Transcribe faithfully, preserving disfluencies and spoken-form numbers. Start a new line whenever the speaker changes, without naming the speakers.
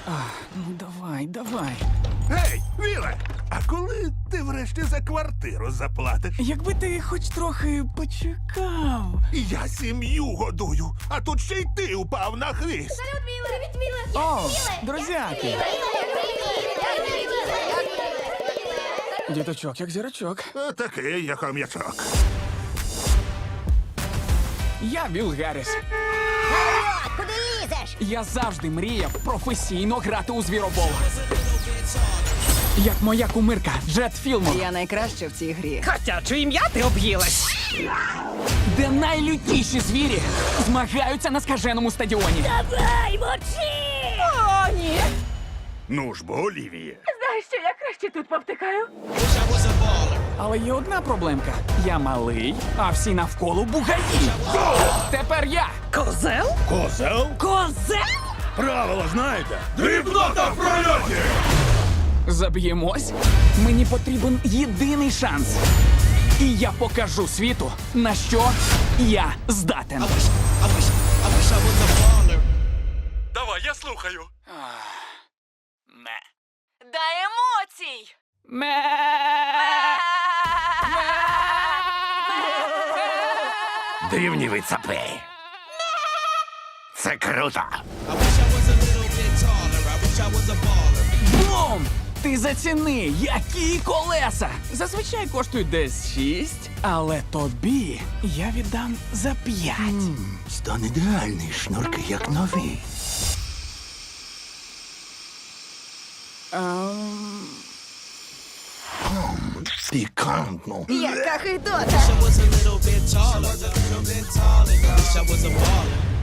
Ну давай, давай.
Гей, Віле! А коли ти врешті за квартиру заплатиш?
Якби ти хоч трохи почекав.
Я сім'ю годую, а тут ще й ти упав на хвіст.
Салют, Міле! Привіт, Міле!
О, друзяки! Діточок, як зірочок.
А такий, як хом'ячок.
Я Вілл Гарріс.
Куди лізеш?
Я завжди мріяв професійно грати у звіробол. Як моя кумирка Джет Філмор,
Я найкраща в цій грі.
Котяче ім'я ти об'їлась.
де найлютіші звірі змагаються на скаженому стадіоні.
Давай, мочи!
О, ні.
Ну ж бо, Олівіє.
Знаєш що, я краще тут повтикаю.
Але є одна проблемка. Я малий, а всі навколо бугаї. Тепер я.
Козел?
Козел?
Козел?
Правила знаєте? Дрібнота в прольоті!
Заб'ємось. Мені потрібен єдиний шанс. І я покажу світу, на що я здатен.
Давай, я слухаю.
Ме.
Дай емоцій!
Ме.
Дивні ви цапи. Це круто.
Бум! Ти заціни, які колеса! Зазвичай коштують десь шість, але тобі я віддам за п'ять.
Стан ідеальний, шнурки як нові.
Ем,
Пікантно.
Яка хитота!
I was a little bit taller. Bit taller. Wish I was a baller.